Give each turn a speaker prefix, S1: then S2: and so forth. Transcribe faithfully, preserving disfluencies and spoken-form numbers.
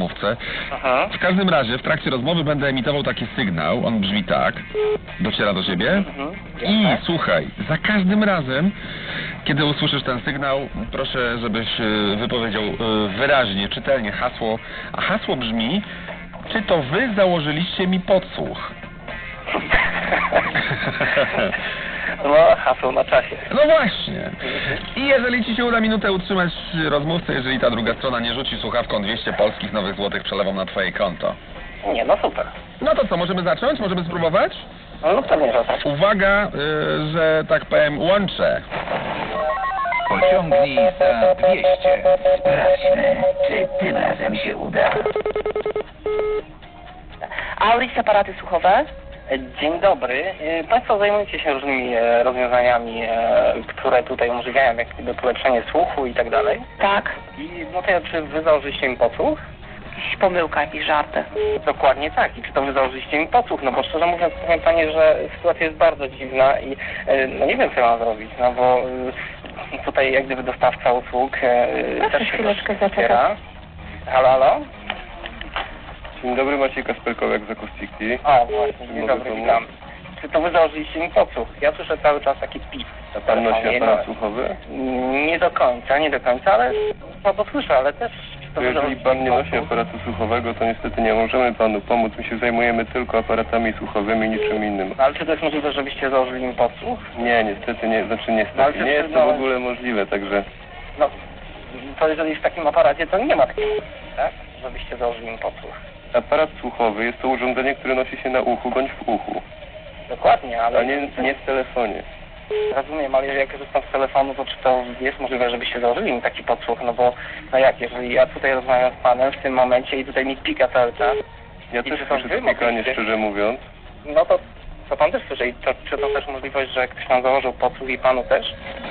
S1: rozmówcę.
S2: Aha.
S1: W każdym razie w trakcie rozmowy będę emitował taki sygnał, on brzmi tak, dociera do ciebie
S2: Mhm.
S1: i
S2: Jasne.
S1: słuchaj, za każdym razem, kiedy usłyszysz ten sygnał, proszę, żebyś e, wypowiedział e, wyraźnie, czytelnie hasło, a hasło brzmi: czy to wy założyliście mi podsłuch?
S2: No, hasło na czasie.
S1: No właśnie. I jeżeli ci się uda minutę utrzymać rozmówcę, jeżeli ta druga strona nie rzuci słuchawką dwieście polskich nowych złotych przelewą na twoje konto.
S2: Nie, no super.
S1: No to co, możemy zacząć? Możemy spróbować?
S2: No, no pewnie, że tak.
S1: Uwaga, y, że tak powiem, łączę.
S3: Pociągnij za dwieście. Sprawdźmy, czy tym razem się uda.
S4: Auris, aparaty słuchowe?
S2: Dzień dobry. E, Państwo zajmujecie się różnymi e, rozwiązaniami, e, które tutaj umożliwiają jak gdyby polepszenie słuchu i tak dalej.
S4: Tak.
S2: I no to ja, czy wy założyliście mi podsłuch?
S4: Jakaś pomyłka, jakieś żarty.
S2: Dokładnie tak. I czy to wy założyliście mi podsłuch? No bo szczerze mówiąc, powiem Pani, że sytuacja jest bardzo dziwna i e, no nie wiem, co mam zrobić, no bo e, tutaj jak gdyby dostawca usług e,
S4: Proszę
S2: też się
S4: chwileczkę
S2: troszkę
S4: zaczekać.
S2: wspiera. Halo, halo?
S5: Dzień dobry, Maciej Kasperkowiak z Akustyki.
S2: O, właśnie, dzień
S5: Mogę
S2: dobry,
S5: pomóc?
S2: witam. Czy to wy założyliście mi podsłuch? Ja słyszę cały czas taki pip.
S5: A pan nosi
S2: telefonie,
S5: aparat
S2: no.
S5: słuchowy?
S2: Nie do końca, nie do końca, ale no to słyszę, ale też... czy
S5: To
S2: wy
S5: jeżeli
S2: założyliście
S5: pan nie
S2: mi
S5: nosi
S2: podsłuch?
S5: aparatu słuchowego, to niestety nie możemy panu pomóc. My się zajmujemy tylko aparatami słuchowymi, niczym innym.
S2: No, ale czy to jest możliwe, żebyście założyli mi podsłuch?
S5: Nie, niestety nie, znaczy
S2: Ale
S5: niestety,
S2: czy
S5: nie jest to w
S2: przyznałeś-
S5: ogóle możliwe, także
S2: No, to jeżeli w takim aparacie, to nie ma takiego, tak? Żebyście założyli mi podsłuch.
S5: aparat słuchowy jest to urządzenie, które nosi się na uchu bądź w uchu,
S2: Dokładnie, ale...
S5: a nie, nie w telefonie.
S2: Rozumiem, ale jak korzystam z telefonu, to czy to jest możliwe, żebyście założyli mi taki podsłuch? No bo, no jak, jeżeli ja tutaj rozmawiam z panem w tym momencie i tutaj mi pika cały czas,
S5: Ja
S2: I
S5: też
S2: czy to
S5: słyszę
S2: wy
S5: spikanie,
S2: mogliście?
S5: szczerze mówiąc.
S2: no to, to pan też słyszy. I to, czy to też możliwość, że ktoś nam założył podsłuch i panu też?